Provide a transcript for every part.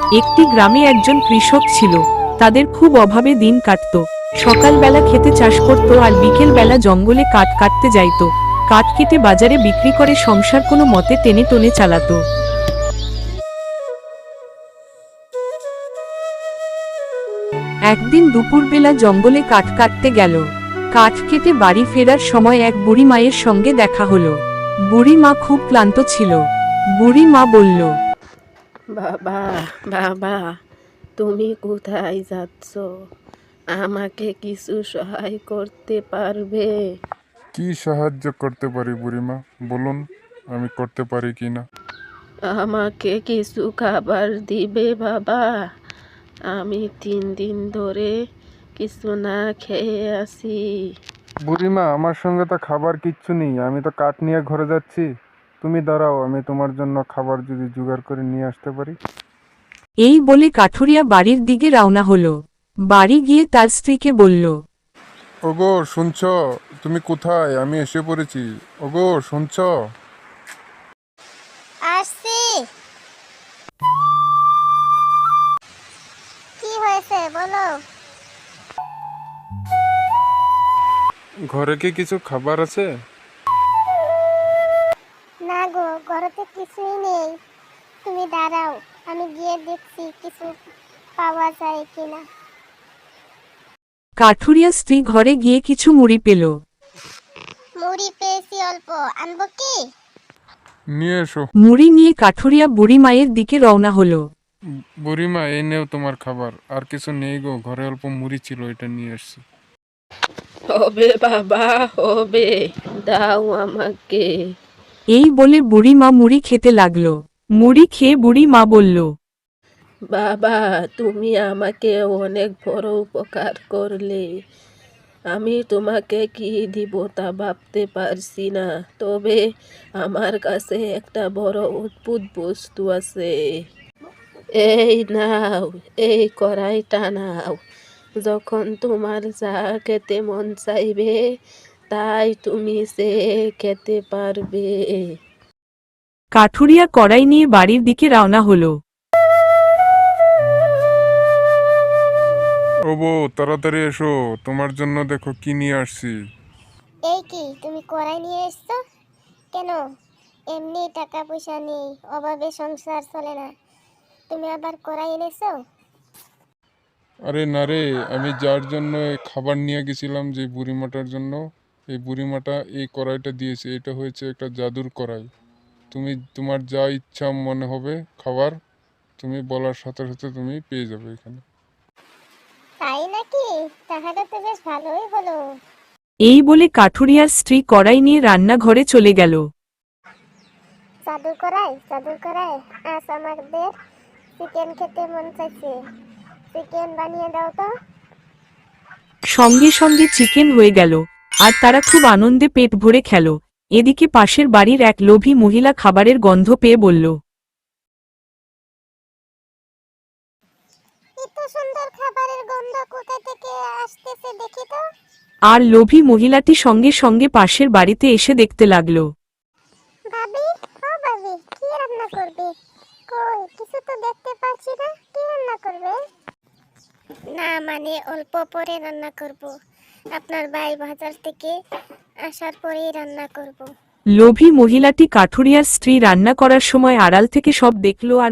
একটি গ্রামে একজন কৃষক ছিল। তাদের খুব অভাবে দিন কাটত। সকালবেলা খেতে চাষ করত আর বিকেল বেলা জঙ্গলে কাঠ কাটতে যাইত। কাঠ কেটে বাজারে বিক্রি করে সংসার কোনো মতে টেনে টনে চালাতো। একদিন দুপুরবেলা জঙ্গলে কাঠ কাটতে গেল। কাঠ কেটে বাড়ি ফেরার সময় এক বুড়ি মায়ের সঙ্গে দেখা হলো। বুড়ি মা খুব ক্লান্ত ছিল। বুড়ি মা বলল, বাবা, বাবা, তুমি কোথায় যাচ্ছ? আমাকে কিছু সহায় করতে পারবে? কি সাহায্য করতে পারি বুড়িমা, বলুন আমি করতে পারি কি না। আমাকে কিছু খাবার দিবে বাবা? আমি 3 দিন ধরে কিছু না খেয়ে আছি। বুড়িমা, আমার সঙ্গে তো খাবার কিচ্ছু নেই, আমি তো কাঠ নিয়ে ঘরে যাচ্ছি। তুমি দাঁড়াও, আমি তোমার জন্য খাবার যদি জোগাড় করে নিয়ে আসতে পারি। এই বলে কাঠুরিয়া বাড়ির দিকে রওনা হলো। বাড়ি গিয়ে তার স্ত্রীকে বলল, ওগো শুনছ? তুমি কোথায়? আমি এসে পড়েছি। ওগো শুনছ? আসছি। কি হয়েছে বলো? ঘরে কি কিছু খাবার আছে? না গো, ঘরেতে কিছুই নেই। তুমি দাঁড়াও, আমি গিয়ে দেখছি কিছু পাওয়া যায় কিনা। কাঠুরিয়া স্ত্রী ঘরে গিয়ে কিছু মুড়ি পেল। মুড়ি পেয়েছি অল্প, আনবো কি? নিয়ে এসো। মুড়ি নিয়ে কাঠুরিয়া বুড়ি মায়ের দিকে রওনা হলো। বুড়িমা, এই নেও তোমার খাবার। আর কিছু নেই গো, ঘরে অল্প মুড়ি ছিল, এটা নিয়ে এসছি। হবে বাবা, হবে, দাও আমাকে। এই বলে বুড়ি মা মুড়ি খেতে লাগলো। মুড়ি খেয়ে বুড়ি মা বলল, বাবা, তুমি আমাকে অনেক বড় উপকার করলে। আমি তোমাকে কি দিব তা ভাবতে পারছি না, তবে আমার কাছে একটা বড় অদ্ভুত বস্তু আছে। এই নাও, এই কড়াইটা নাও। যখন তোমার যা খেতে মন চাইবে তাই তুমি সে খেতে পারবে। কাঠুরিয়া কড়াই নিয়ে বাড়ির দিকে রওনা হলো। ও বউ, তাড়াতাড়ি এসো, তোমার জন্য দেখো কি নিয়ে আসছি। এই কি, তুমি কড়াই নিয়ে এসছো কেন? এমনি টাকা পয়সা নেই, অভাবে সংসার চলে না, তুমি আবার কড়াই এনেছো? আরে না রে, আমি যার জন্য এই খাবার নিয়ে গেছিলাম, যে বুড়িমাটার জন্য, এই বুড়িমাটা এই কড়াইটা দিয়েছে। এটা হয়েছে একটা জাদুর কড়াই। তুমি তোমার যা ইচ্ছা মনে হবে খাবার, তুমি বলার সাথে সাথে তুমি পেয়ে যাবে এখানে। তাই নাকি? তাহলে তো বেশ ভালোই হলো। এই বলে কাঠুরিয়ার স্ত্রী কড়াই নিয়ে রান্নাঘরে চলে গেল। জাদু করাই, জাদু করাই, আজ আমাদের চিকেন খেতে মন চাইছে, চিকেন বানিয়ে দাও তো। সঙ্গে সঙ্গে চিকেন হয়ে গেল, আর তারা খুব আনন্দে পেট ভরে খেল। এদিকে পাশের বাড়ির এক লোভী মহিলা খাবারের গন্ধ পেয়ে বলল, এত সুন্দর খাবারের গন্ধ কোথা থেকে আসতেছে দেখি তো। আর লোভী মহিলাটি সঙ্গে সঙ্গে পাশের বাড়িতে এসে দেখতে লাগলো। ভাবি, ও ভাবি, কি রান্না করবে? কই, কিছু তো দেখতে পাচ্ছি না, কি রান্না করবে? না মানে অল্প পরে রান্না করব, আপনার ভাই বাজার থেকে আসার পরেই রান্না করব। লোভী মহিলাটি কাঠুরিয়ার স্ত্রী রান্না করার সময় আড়াল থেকে সব দেখল আর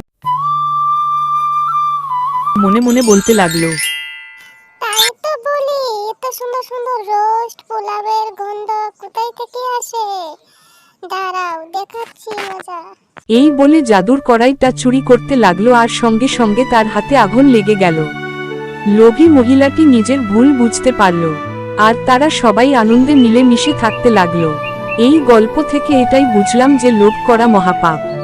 মনে মনে বলতে লাগলো, তাই তো বলি, এত সুন্দর সুন্দর রোস্ট পোলাওয়ের গন্ধ কোথায় থেকে আসে? দাঁড়াও, দেখাচ্ছি মজা। এই বলে জাদুর কড়াইটা চুরি করতে লাগলো আর সঙ্গে সঙ্গে তার হাতে আগুন লেগে গেল। লোভী মহিলাটি নিজের ভুল বুঝতে পারল, আর তারা সবাই আনন্দে মিলেমিশে থাকতে লাগলো। এই গল্প থেকে এটাই বুঝলাম যে লোভ করা মহাপাপ।